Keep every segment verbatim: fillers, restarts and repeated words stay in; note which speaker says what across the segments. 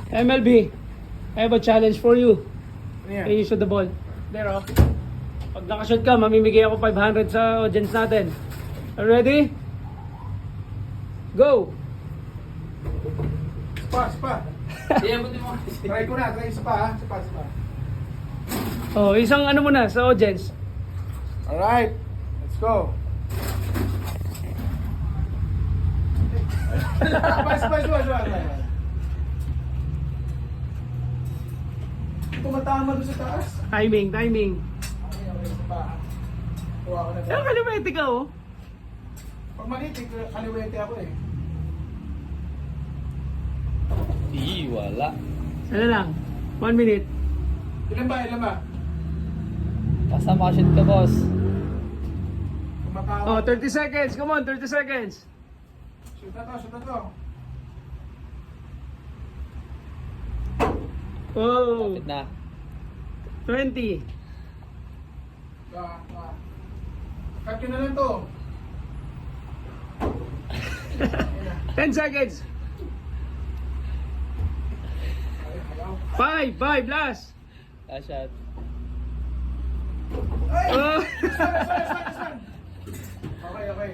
Speaker 1: M L B, I have a challenge for you.
Speaker 2: Ano yan?
Speaker 1: Can you shoot the ball? There, oh. Pag nakashoot ka, mamimigay ako five hundred sa audience natin. Are you ready? Go!
Speaker 2: Spa, spa. Try ko na, try sa pa ha. Spa, spa.
Speaker 1: Oh, isang ano muna sa audience.
Speaker 2: Alright, let's go. Spa, spa, spa, spa. Tumatama doon sa taas.
Speaker 1: Timing, timing.
Speaker 2: Okay, okay, spa. Kuha ko na
Speaker 1: Pero
Speaker 2: to.
Speaker 1: kalimete ka, oh.
Speaker 2: Pag malitik, kaliwete ako eh.
Speaker 3: Ih, wala.
Speaker 1: Ano lang? One minute.
Speaker 2: Ilan ba, ilan ba?
Speaker 3: Basta makashoot ka, boss.
Speaker 2: Kumakawa.
Speaker 1: Oh, thirty seconds. Come on, thirty seconds.
Speaker 2: Shoot na to, shoot na to.
Speaker 1: Oh,
Speaker 3: Kapit na.
Speaker 1: twenty.
Speaker 2: Ah, ah. Cut ko na lang to.
Speaker 1: ten seconds.
Speaker 2: Ay, ayaw.
Speaker 1: five, five, last.
Speaker 3: Last shot.
Speaker 2: Ay!
Speaker 1: Oh.
Speaker 2: Last one, last one, last one, last one. Okay, okay.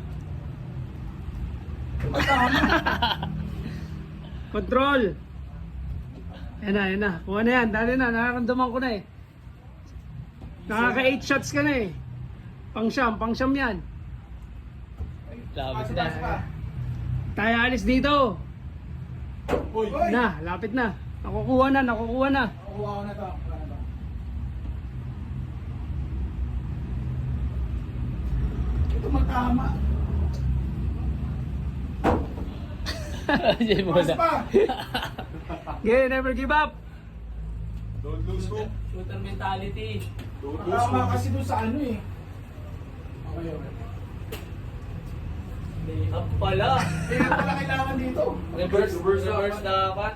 Speaker 2: Tumatama.
Speaker 1: Control. Yan na, yan na. Kuha na yan. Dali na. Nakaramdaman ko na eh. Nakaka eight shots ka na eh. Pang siyam, pang siyam yan.
Speaker 3: Lapit
Speaker 2: Spa,
Speaker 3: na.
Speaker 2: spa.
Speaker 1: Tayo alis dito.
Speaker 2: Uy! Uy!
Speaker 1: Na, lapit na. Nakukuha na, nakukuha na.
Speaker 2: Kuha ko na to. Kuha na to. Ito matama.
Speaker 3: Diyan mo
Speaker 2: Pas
Speaker 3: na.
Speaker 2: pa!
Speaker 1: Okay, never give up.
Speaker 2: Don't lose hope.
Speaker 3: Shooter mentality.
Speaker 2: Matama kasi doon sa ano eh. Okay, okay.
Speaker 3: Lay up pala.
Speaker 2: Kaya pala kailangan dito.
Speaker 3: Reverse, reverse, reverse dapat.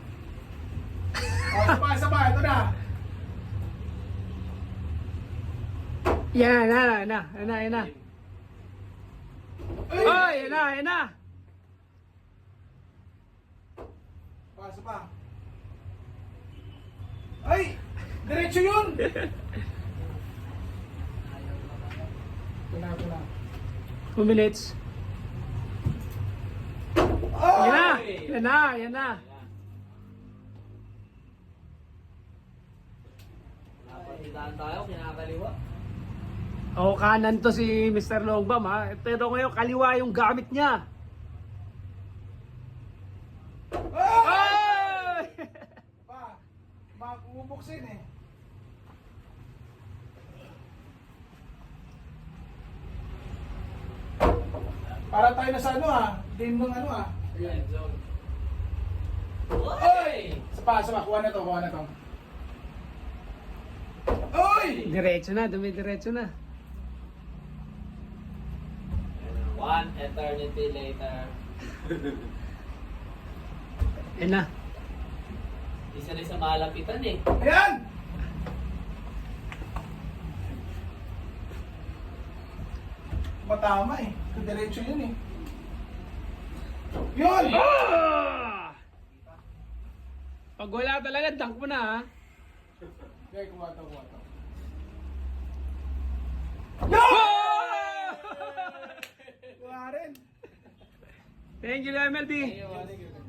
Speaker 2: O, isa pa, isa pa. Ito na.
Speaker 1: Yan, na, na, na, yan na, yan na. Oy, yan na, yan na.
Speaker 2: Pa, isa pa. Ay! Diretso yun! Ito na, ito na.
Speaker 1: Two minutes.
Speaker 2: Oh!
Speaker 1: Yan na, yan na, yan na.
Speaker 3: Napatitaan tayo, kinakaliwa.
Speaker 1: O, kanan to si Mister Longbam ha. Pero ngayon, kaliwa yung gamit niya.
Speaker 2: Oh!
Speaker 1: Oy!
Speaker 2: Pa, mag-ubuksin eh. Para tayo na sa ano ah. Game ng ano ah. Ayan.
Speaker 3: End zone.
Speaker 2: Oy! Isa pa, isa pa. Kuha na to, kuha na to. Oy!
Speaker 1: Diretso na, dumidiretso na.
Speaker 3: One eternity later.
Speaker 1: Yan na.
Speaker 3: Isa rin sa malapitan eh.
Speaker 2: Ayan! Matama eh. Diretso yun eh. Yun!
Speaker 1: Ah! Pag wala talaga, dunk mo na ha.
Speaker 2: Okay, kuha to, kuha to.
Speaker 1: Ah!
Speaker 2: Kuha rin.
Speaker 1: Thank you, M L B.
Speaker 3: Ayun.
Speaker 2: Thank you.